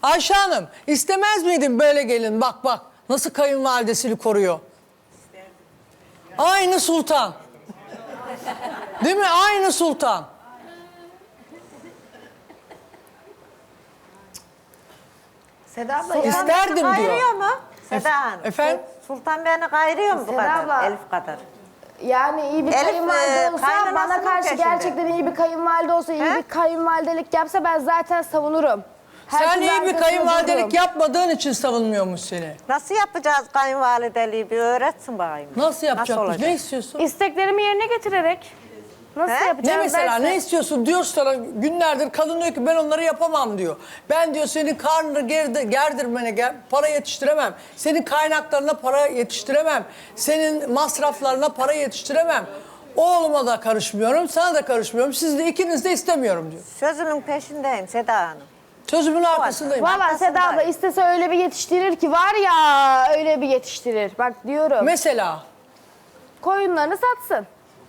Ayşe Hanım istemez miydin böyle gelin? Bak bak nasıl kayınvalidesini koruyor. Aynı sultan. Değil mi? Aynı sultan. Seda abla İsterdim diyor. Kayırıyor mu? Seda Hanım. Efendim? Sultan beni kayırıyor mu bu Seda kadar? abla. Elif kadar. yani iyi bir Elif, kayınvalide olsa kaynanasının bana karşı peşinde. gerçekten iyi bir kayınvalide olsa, iyi He? bir kayınvalidelik yapsa ben zaten savunurum. Sen Herkesin iyi bir arkasında kayınvalidelik dururum. yapmadığın için savunmuyormuş seni. Nasıl yapacağız kayınvalideliği bir öğretsin bakayım. Nasıl yapacakmış? olacak? Ne istiyorsun? İsteklerimi yerine getirerek nasıl He? yapacağız? Ne mesela derse- ne istiyorsun diyor sana günlerdir kadın diyor ki ben onları yapamam diyor. Ben diyor senin karnını gerdirmene para yetiştiremem. Senin kaynaklarına para yetiştiremem. Senin masraflarına para yetiştiremem. Oğluma da karışmıyorum, sana da karışmıyorum. Siz de ikiniz de istemiyorum diyor. Sözümün peşindeyim Seda Hanım. Sözümün arkasındayım. Valla Arkasındayım. Seda abla istese öyle bir yetiştirir ki var ya, öyle bir yetiştirir. Bak diyorum, Mesela koyunlarını satsın.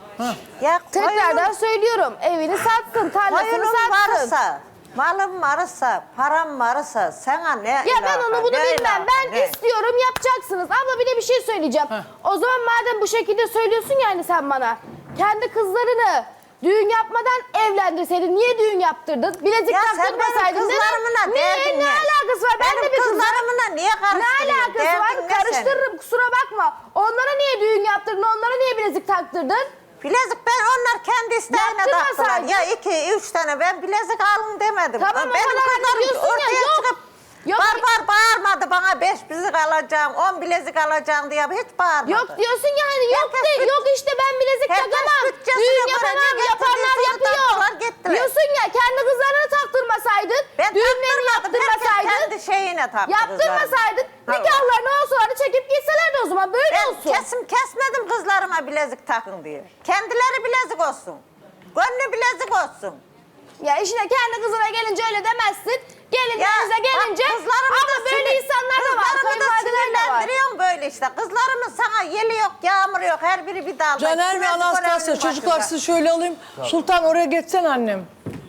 Ya Tekrardan söylüyorum, evini satsın, tarlasını koyunum satsın. varsa, malım varsa, param varsa sana ne Ya ben ilaka, onu bunu ne bilmem. ilaka, Ben ne? istiyorum, yapacaksınız. Abla bir de bir şey söyleyeceğim. O zaman madem bu şekilde söylüyorsun yani sen bana. Kendi kızlarını düğün yapmadan evlendirseydin. Niye düğün yaptırdın? Bilezik Ya sen taktırmasaydın. benim kızlarımla derdin ne ne? alakası var? Ben Benim de bir kızlarım. kızlarımla niye Ne karıştırıyorsun? alakası var? Derdin ne Karıştırırım, kusura bakma. Onlara niye düğün yaptırdın? Onlara niye bilezik taktırdın? Bilezik ben onlar kendi isteğine taktılar. Yaptırmasaydın. Ya 2-3 tane ben bilezik alın demedim. Tamam, o benim kadar kızlarım diyorsun ya, ortaya yok. çıkıp Yok. bağırmadı bana 5 bilezik alacağım, 10 bilezik alacağım diye hiç bağırmadı. Yok diyorsun ya hani yok Herkes de, yok işte ben bilezik herkes takamam. bütçesine Düğün göre yapamam. ne Yapanlar getirdiyse yapıyor. taktılar, gittiler. Diyorsun ya kendi kızlarına taktırmasaydın. Ben Düğünlerini taktırmadım, herkes yaptırmasaydın. kendi şeyine taktı Yaptırmasaydın. kızlarına. Nikahlarını olsalardı çekip gitselerdi o zaman. Böyle Ben olsun. kesmedim kızlarıma bilezik takın diye. Kendileri bilezik olsun. Gönlü bilezik olsun. Ya işine kendi kızına gelince öyle demezsin. Gelinlerinize gelince ama böyle insanlar da var. Kayınvalideler de var. Sinirlendiriyorsun böyle işte. Kızlarımın sana yeli yok, yağmuru yok. Her biri bir dalda. Caner ve Kümesi Anastasya görevinin çocuklar başında. sizi şöyle alayım. Sultan oraya geçsen annem.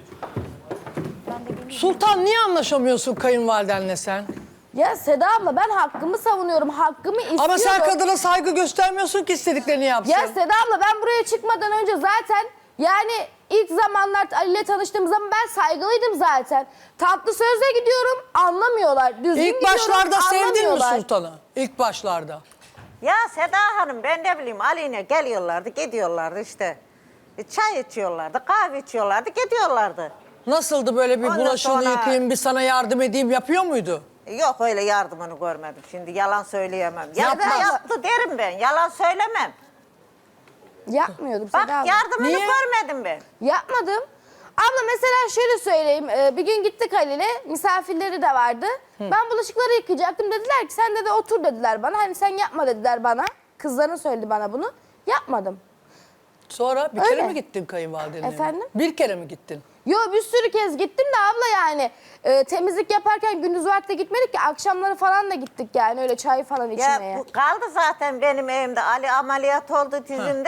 Sultan niye anlaşamıyorsun kayınvalidenle sen? Ya Seda abla ben hakkımı savunuyorum. Hakkımı istiyorum. Ama sen kadına saygı göstermiyorsun ki istediklerini yapsın. Ya Seda abla ben buraya çıkmadan önce zaten yani ilk zamanlar Ali ile tanıştığım zaman ben saygılıydım zaten. Tatlı sözle gidiyorum, anlamıyorlar. Düzgün İlk gidiyorum, başlarda sevdin mi anlamıyorlar. Sultan'ı? İlk başlarda. Ya Seda Hanım ben ne bileyim Ali'ne geliyorlardı, gidiyorlardı işte. Çay içiyorlardı, kahve içiyorlardı, gidiyorlardı. Nasıldı böyle bir Ondan bulaşığını sonra- yıkayayım, bir sana yardım edeyim yapıyor muydu? Yok öyle yardımını görmedim. Şimdi yalan söyleyemem. Ya Yapmaz. da yaptı derim ben. Yalan söylemem. Yapmıyordum Bak Seda abla. yardımını Niye? görmedim ben. Yapmadım. Abla mesela şöyle söyleyeyim. Bir gün gittik Ali'yle. Misafirleri de vardı. Ben bulaşıkları yıkayacaktım. Dediler ki sen de otur dediler bana. Hani sen yapma dediler bana. Kızların söyledi bana bunu. Yapmadım. Sonra bir Öyle. kere mi gittin kayınvalidenin evine? Efendim? Bir kere mi gittin? Yo bir sürü kez gittim de abla yani. Temizlik yaparken gündüz vakti gitmedik ki. Akşamları falan da gittik yani. Öyle çay falan içmeye. Ya bu kaldı zaten benim evimde. Ali ameliyat oldu dizinde.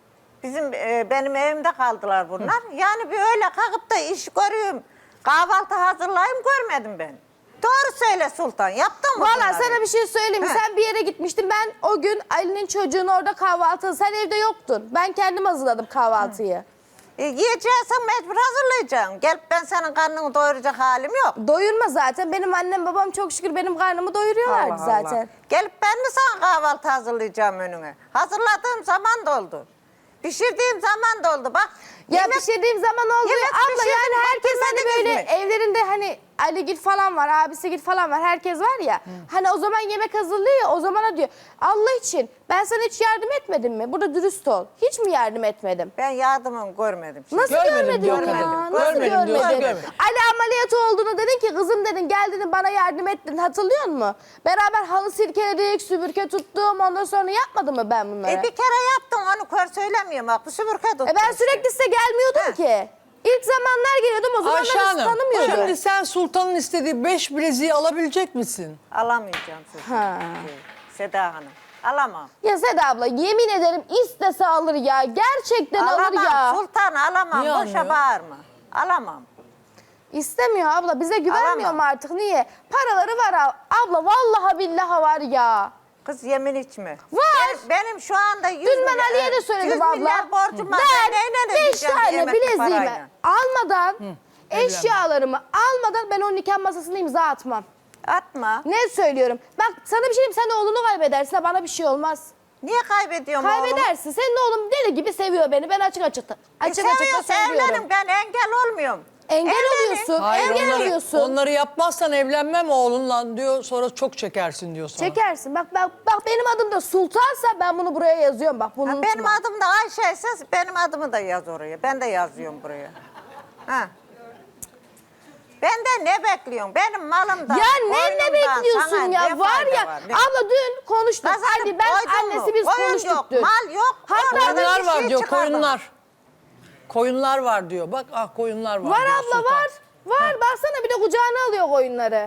Benim evimde kaldılar bunlar. Yani bir öyle kalkıp da iş görüyorum. Kahvaltı hazırlayayım görmedim ben. Doğru söyle Sultan. Yaptın mı Valla bunları? sana bir şey söyleyeyim mi? He. Sen bir yere gitmiştin. Ben o gün Ali'nin çocuğunu orada kahvaltı... Sen evde yoktun. Ben kendim hazırladım kahvaltıyı. Yiyeceksen mecbur hazırlayacaksın. Gelip ben senin karnını doyuracak halim yok. Doyurma zaten. Benim annem babam çok şükür benim karnımı doyuruyorlardı Allah zaten. Allah. Gelip ben mi sana kahvaltı hazırlayacağım önüne? Hazırladığım zaman da oldu. Pişirdiğim zaman da oldu. Bak. Ya yemek- pişirdiğim zaman oldu. yemek Abla pişirdim, yani herkes hani getirmediniz böyle mi? evlerinde hani Aligil falan var, Abisigil falan var. Herkes var ya. Hani o zaman yemek hazırlıyor ya, o zamana diyor. Allah için ben sana hiç yardım etmedim mi? Burada dürüst ol. Hiç mi yardım etmedim? Ben yardımını görmedim. Şimdi. Nasıl Görmedim görmedin diyor ya? kadın. Nasıl Görmedim diyor, görmedin? görmedim. Ali ameliyatı olduğunu dedin ki kızım dedin geldin bana yardım ettin hatırlıyor musun? Beraber halı silkeledik, süpürge tuttum ondan sonra yapmadım mı ben bunları? Bir kere yaptım onu kör söylemiyorum. Bak bu süpürge tuttum. Ben sürekli size gelmiyordum He. ki. İlk zamanlar geliyordum o zamanlar Ayşe sizi Hanım, tanımıyordum. şimdi sen Sultan'ın istediği 5 bileziği alabilecek misin? Alamayacağım sizi. Ha. Seda Hanım. Alamam. Ya Seda abla yemin ederim istese alır ya. Gerçekten alır Alamam ya. Sultan alamam. Niye Boşa almıyor? bağırma. Alamam. İstemiyor abla. Bize güvenmiyor Alamam. mu artık? Niye? Paraları var abla. Vallahi billahi var ya. Kız yemin içme. Var. Benim şu anda 100 Dün ben Ali'ye de söyledim 100 abla. milyar borcum var. Ben neyle 5 ödeyeceğim tane emekli bileziğimi parayla? almadan, eşyalarımı almadan ben o nikah masasına imza atmam. Atma. Ne söylüyorum? Bak sana bir şey diyeyim, sen oğlunu kaybedersin ha, bana bir şey olmaz. Niye kaybediyorum oğlumu? Kaybedersin. Senin oğlum deli gibi seviyor beni. Ben açık açık da Seviyorsa söylüyorum. evlenin, ben engel olmuyorum. Engel Evlenin. oluyorsun. Hayır, Engel oluyorsun. onları yapmazsan evlenmem oğlunla diyor. Sonra çok çekersin diyor sana. Çekersin. Bak benim adım da Sultansa ben bunu buraya yazıyorum. Bak bunu unutma. Benim adım da Ayşe ise benim adımı da yaz oraya. Ben de yazıyorum buraya. Ha. Ben de ne bekliyorsun? Benim malımdan, Ya ne oyunumdan bekliyorsun sana ya? ne var fayda ya. var? Abla dün konuştuk. Kazanıp Hadi ben koydun mu? annesi biz Koyun konuştuk yok, dün. mal yok. Hatta Ortada Koyunlar bir var şey diyor, çıkarmadım. koyunlar. Koyunlar var diyor. Bak koyunlar var. Var diyor abla Sultan. var. Var. Baksana bir de kucağına alıyor koyunları.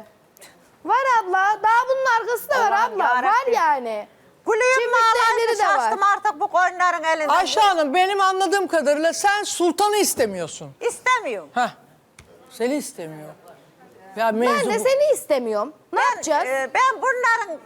Var abla. Daha bunun arkası da var Allah'ım abla. Var yarabbim. yani. Gülüyüm mü Çiftlikte ağlayınca elleri de var. şaştım artık bu koyunların elinden. Ayşe Hanım benim anladığım kadarıyla sen sultanı istemiyorsun. İstemiyorum. Heh. Seni istemiyor. Ya Ben mevzu de bu. seni istemiyorum. Ne yapacağız? Ben bunların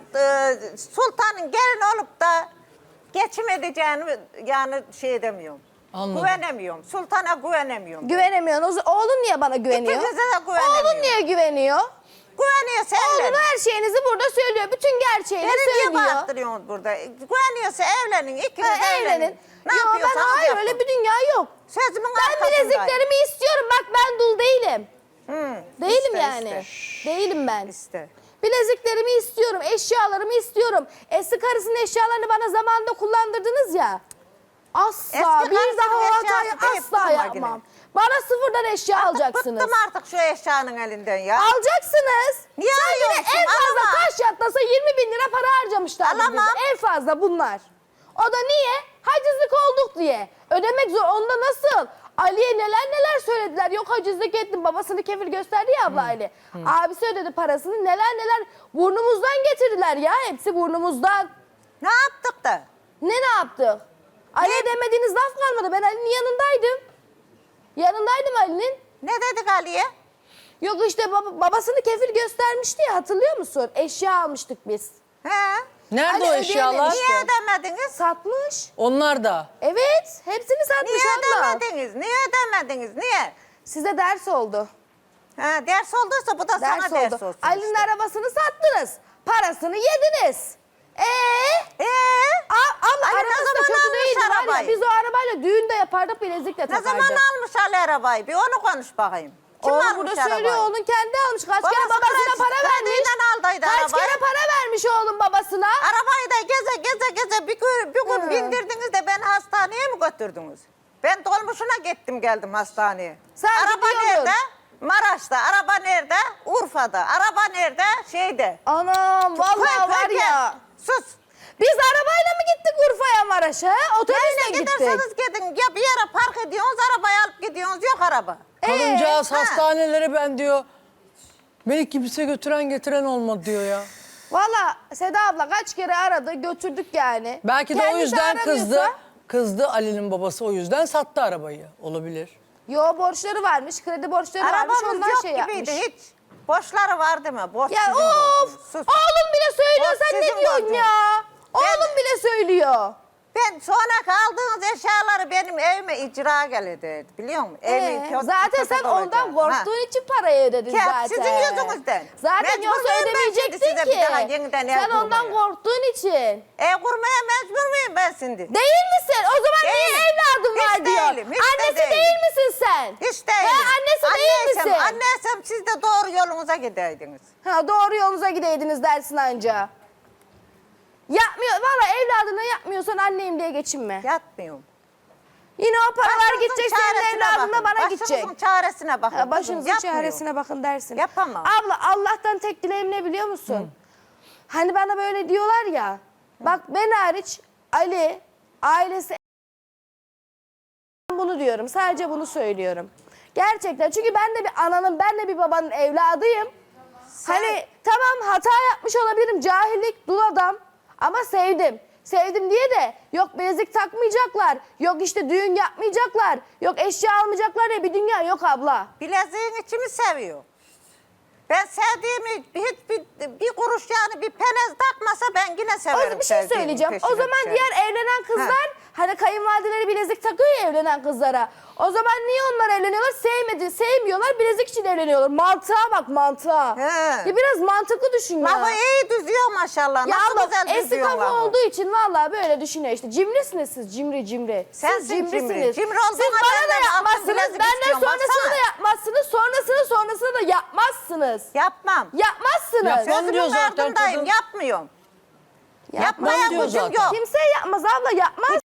sultanın gelin olup da geçim edeceğini yani şey edemiyorum. Anladım. Güvenemiyorum. Sultana güvenemiyorum. Güvenemiyorsun. Oğlun niye bana güveniyor? İkinize de güvenemiyorum. Oğlun niye güveniyor? Güveniyorsa Oğlun evlenin. her şeyinizi burada söylüyor. Bütün gerçeğini Beni niye söylüyor. bağırttırıyorsunuz burada? Güveniyorsa evlenin. İkiniz Ha, evlenin. evlenin. Ne Yo, ben yapıyorsanız hayır yapın. öyle bir dünya yok. Sözümün Ben arkasındayım. bileziklerimi istiyorum. Bak ben dul değilim. Değilim iste, yani. Değilim ben. İşte. Bileziklerimi istiyorum. Eşyalarımı istiyorum. Eski karısının eşyalarını bana zamanında kullandırdınız ya. Asla Eski bir karısının daha o hatayı eşyası deyip asla durma yapmam. yine. Bana sıfırdan eşya alacaksınız. Bıktım artık şu eşyanın elinden ya. Alacaksınız. Niye Sen yine alıyorsun? en fazla Alamam. taş yatlasa 20 bin lira para harcamışlar. Alamam. En fazla bunlar. O da niye? Hacizlik olduk diye. Ödemek zor. Onda nasıl? Ali'ye neler söylediler. Yok hacizlik ettim. Babasını kefil gösterdi ya abla Ali. Abisi ödedi parasını. Neler burnumuzdan getirdiler ya. Hepsi burnumuzdan. Ne yaptık da? Ne yaptık? Ali'ye demediğiniz laf kalmadı. Ben Ali'nin yanındaydım. Yanındaydım Ali'nin. Ne dedik Ali'ye? Yok işte babasını kefil göstermişti ya, hatırlıyor musun? Eşya almıştık biz. He? Nerede Ali o eşyalar? ödeyememiş. Niye ödemediniz? Satmış. Onlar da. Evet, hepsini satmış Niye abla. ödemediniz? Niye ödemediniz? Niye? Size ders oldu. Ha, ders olduysa bu da Ders sana ders oldu. olsun Ali'nin işte. arabasını sattınız. Parasını yediniz. Abla Ali ne arabası da zaman kötü almış değildi var ya. arabayı? Biz o arabayla düğün de yapardık, bilezik de Ne takardık. zaman almış Ali arabayı? Bir onu konuş bakayım. Kim Oğlum almış burada arabayı? söylüyor, onun kendi almış. Kaç Babası kere babasına kredi- para vermiş. krediyle aldıydı Kaç arabayı. kere para vermiş oğlum babasına. Arabayı da geze bir gün bindirdiniz de beni hastaneye mi götürdünüz? Ben dolmuşuna gittim geldim hastaneye. Sen araba gidiyordun. nerede? Maraş'ta. Araba nerede? Urfa'da. Araba nerede? Şeyde. Anam vallahi var ya. Sus. Biz arabayla mı gittik Urfa'ya, Maraş'a? Otobüsle Nereye gittik. giderseniz gidin. Ya bir yere park ediyorsunuz, arabayı alıp gidiyorsunuz. Yok araba. Kadıncağız ha. hastanelere ben diyor. Beni kimse götüren getiren olmadı diyor ya. Valla Seda abla kaç kere aradı, götürdük yani. Belki de o Kendisi yüzden kızdı. aramıyorsa- Kızdı Ali'nin babası, o yüzden sattı arabayı. Olabilir. Yo, borçları varmış, kredi borçları varmış, Arabamız ondan yok şey gibiydi yapmış. hiç. Boşları var değil mi? Borç Ya sizin of! borcunuz. Sus. Oğlum bile söylüyor, Borç sen ne sizin diyorsun borcunuz. ya? Oğlum bile söylüyor. Ben sonra kaldığınız eşyaları benim evime icra geldi. Biliyor musun? Zaten sen ondan korktuğun için parayı ödedin Hep zaten. sizin yüzünüzden. Zaten Mecbur yoksa muyum ben ödemeyecektin şimdi size bir daha ki. yeniden ev Sen ondan kurmaya? korktuğun için. Ev kurmaya mecbur muyum ben şimdi? Değil misin? O zaman niye Değilim. evladım Hiç var diyor. değilim, hiç de Annesi değilim. değil misin sen? Hiç değilim. Annesi değil misin? Anneysem siz de doğru yolunuza gideydiniz. Ha, doğru yolunuza gideydiniz dersin anca. Yapmıyor. Valla evladına yapmıyorsan anneyim diye geçinme. Yatmıyorum. Yine o paralar Başınızın gidecek, senin çaresine evladına bakın. bana gidecek. Başınızın çaresine bakın. Ha, kızım, başınızın yapmıyorum. çaresine bakın dersin. Yapamam. Abla Allah'tan tek dileğim ne biliyor musun? Hani bana böyle diyorlar ya. Bak ben hariç Ali, ailesi, bunu diyorum. Sadece bunu söylüyorum. Gerçekten. Çünkü ben de bir ananın, ben de bir babanın evladıyım. Hani tamam hata yapmış olabilirim. Cahillik, dul adam. Ama sevdim. Sevdim diye de yok bilezik takmayacaklar, yok işte düğün yapmayacaklar, yok eşya almayacaklar diye bir dünya yok abla. Bileziğin içimi seviyor. Ben sevdiğimi bir kuruş yani bir penez takmasa ben yine severim. O bir şey sevdiğimin söyleyeceğim. O peşine zaman düşerim. diğer evlenen kızlar hani kayınvalideleri bilezik takıyor ya evlenen kızlara. O zaman niye onlar evleniyorlar? Sevmiyorlar, bilezik için evleniyorlar. Mantığa bak, mantığa. He. Ya biraz mantıklı düşün ya. Lafı iyi düzüyor maşallah. Ya Nasıl abla güzel eski düzüyorsun kafa lafı. olduğu için vallahi böyle düşünüyor işte. Cimrisiniz siz, cimri. Sensin Siz cimrisiniz. cimri. Cimri olduğuna Siz bana da benden altın yapmazsınız, bilezik benden istiyorsun, sonrasını baksana. da yapmazsınız, sonrasını da yapmazsınız. Yapmam. Yapmazsınız. Yapmam diyor Sözümün zaten ardındayım. kadın. Yapmıyorum. Yapmaz. Yapmaya diyor gücüm zaten. yok. Kimse yapmaz abla, yapmaz.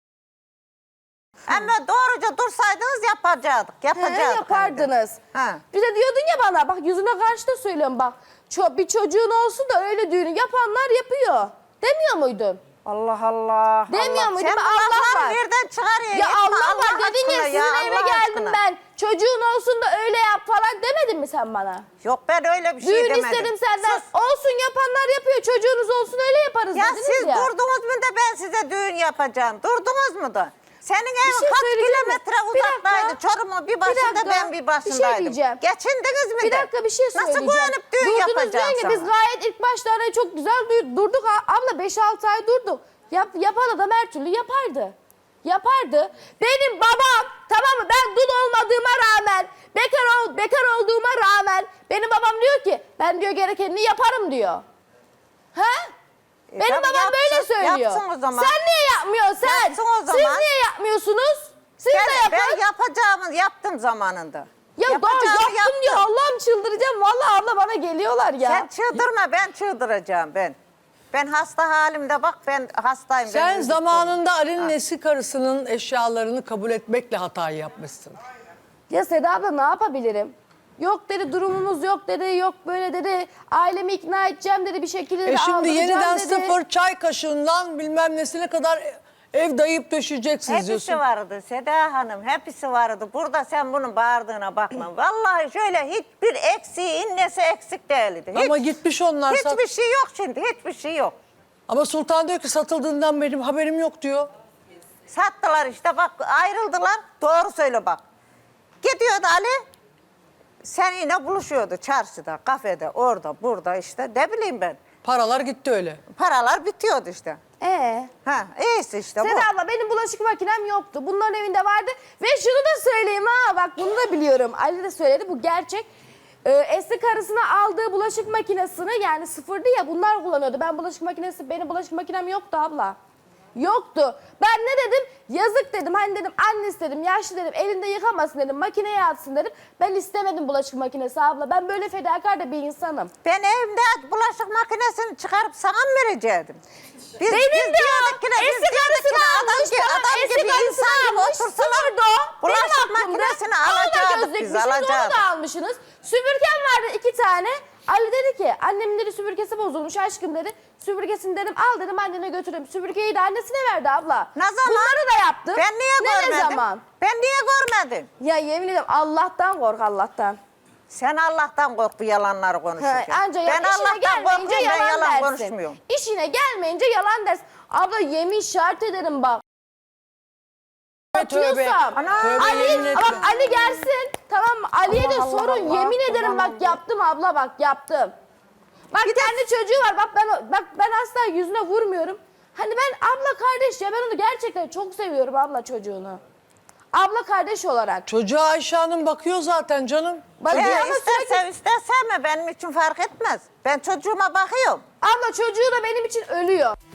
Ama doğruca dursaydınız yapacaktık. Yapacaktık. Yapardınız. Ha. Bir de diyordun ya bana bak yüzüne karşı da söylüyorum bak. Bir çocuğun olsun da öyle düğünü yapanlar yapıyor. Demiyor muydun? Allah Allah. Demiyor Allah. muydun? Sen bu Allah lafları var. nereden çıkarıyorsun? Ya Yapma Allah var dedin ya aşkına sizin eve Allah geldim aşkına. ben. Çocuğun olsun da öyle yap falan demedin mi sen bana? Yok ben öyle bir şey Düğün demedim. istedim senden. Sus. Olsun yapanlar yapıyor. Çocuğunuz olsun öyle yaparız Ya dediniz siz ya. durdunuz mu da ben size düğün yapacağım. Durdunuz mu da? Senin evin şey kaç söyleyeceğim mi? kilometre Bir uzaktaydı? dakika. Çorum'un bir başında dakika. ben bir Bir şey başındaydım. diyeceğim. Geçindiniz mi Bir de? dakika bir şey söyleyeceğim. Nasıl güvenip düğün Durdunuz yapacağım diyorsun ki sana? biz gayet ilk başlarda çok güzel durduk. Abla 5-6 ay durduk. Yapan adam her türlü yapardı. Yapardı. Benim babam tamam mı ben dul olmadığıma rağmen bekar olduğuma rağmen benim babam diyor ki ben diyor gerekenini yaparım diyor. Ha? Benim tabii babam böyle yapsın, söylüyor. yapsın o zaman. Sen niye yapmıyorsun sen? Yapsın o Siz zaman. niye yapmıyorsunuz? Siz de Ben yapın. yapacağımı yaptım zamanında. Ya daha Yapacağımı yaptım diyor. Allah'ım çıldıracağım. Vallahi abla bana geliyorlar ya. Sen çıldırma ben çıldıracağım ben. Ben hasta halimde bak ben hastayım. Sen ben zamanında Ali'nin eski karısının eşyalarını kabul etmekle hatayı yapmışsın. Ya Seda abla ne yapabilirim? Yok dedi durumumuz yok dedi. Yok böyle dedi. Ailemi ikna edeceğim dedi. Bir şekilde de Şimdi aldıracağım yeniden dedi. sıfır çay kaşığından bilmem nesine kadar ev dayayıp döşeyeceksiniz Hepsi diyorsun. vardı Seda Hanım, hepsi vardı. Burada sen bunun bağırdığına bakma. Vallahi şöyle hiçbir eksiği, innesi eksik değildi. Ama gitmiş onlar. Hiçbir şey yok şimdi, hiçbir şey yok. Ama Sultan diyor ki satıldığından benim haberim yok diyor. Sattılar işte bak ayrıldılar. Doğru söyle bak. Gidiyordu Ali. Seninle buluşuyordu çarşıda, kafede, orada, burada işte. Ne bileyim ben. Paralar gitti öyle. Paralar bitiyordu işte. Ha, iyisi işte bu. Seda abla benim bulaşık makinem yoktu. Bunların evinde vardı. Ve şunu da söyleyeyim ha bak bunu da biliyorum. Ali de söyledi bu gerçek. Eski karısına aldığı bulaşık makinesini yani sıfırdı ya bunlar kullanıyordu. Benim bulaşık makinem yoktu abla. Yoktu. Ben ne dedim? Yazık dedim. Hani dedim annesi dedim, yaşlı dedim, elinde yıkamasın dedim, makineye atsın dedim. Ben istemedim bulaşık makinesi abla. Ben böyle fedakar da bir insanım. Ben evimde bulaşık makinesini çıkarıp sana mı verecektim? Benim de diyorduk ki ne, eski biz diyorduk ki karısını ne, almış falan, adam eski gibi karısını insan gibi almış, otursalar sıfırdı o. Benim bulaşık aklımda. makinesini Onu da alacaktık biz, gözükmüşüz, onu alacaktık. da almışsınız. Süpürgem vardı 2 tane. Ali dedi ki annemin dedi süpürgesi bozulmuş aşkım dedi. Süpürgesini dedim al dedim annene götüreyim. Süpürgeyi de annesine verdi abla. Ne zaman? Bunları da yaptım. Ben niye görmedim? Ne zaman? Ben niye görmedim? Ya yemin ederim Allah'tan kork Allah'tan. Sen Allah'tan kork bu yalanları konuşurken. Anca Ben işine Allah'tan gelmeyince korkuyorum ben yalan dersin. konuşmuyorum. İşine gelmeyince yalan dersin. Abla yemin şart ederim bak. Tövbe. Atıyorsam. Tövbe yemin etme. Bak Ali gelsin. Tamam mı? Ali'ye de Allah sorun. Allah, Yemin ederim Allah bak yaptım abla bak yaptım. Bak kendi çocuğu var. Bak ben asla yüzüne vurmuyorum. Hani ben abla kardeş ya ben onu gerçekten çok seviyorum abla çocuğunu. Abla kardeş olarak. Çocuğa Ayşe Hanım bakıyor zaten canım. Bak Ya ama ister sürekli sev ister sevme benim için fark etmez. Ben çocuğuma bakıyorum. abla çocuğu da benim için ölüyor.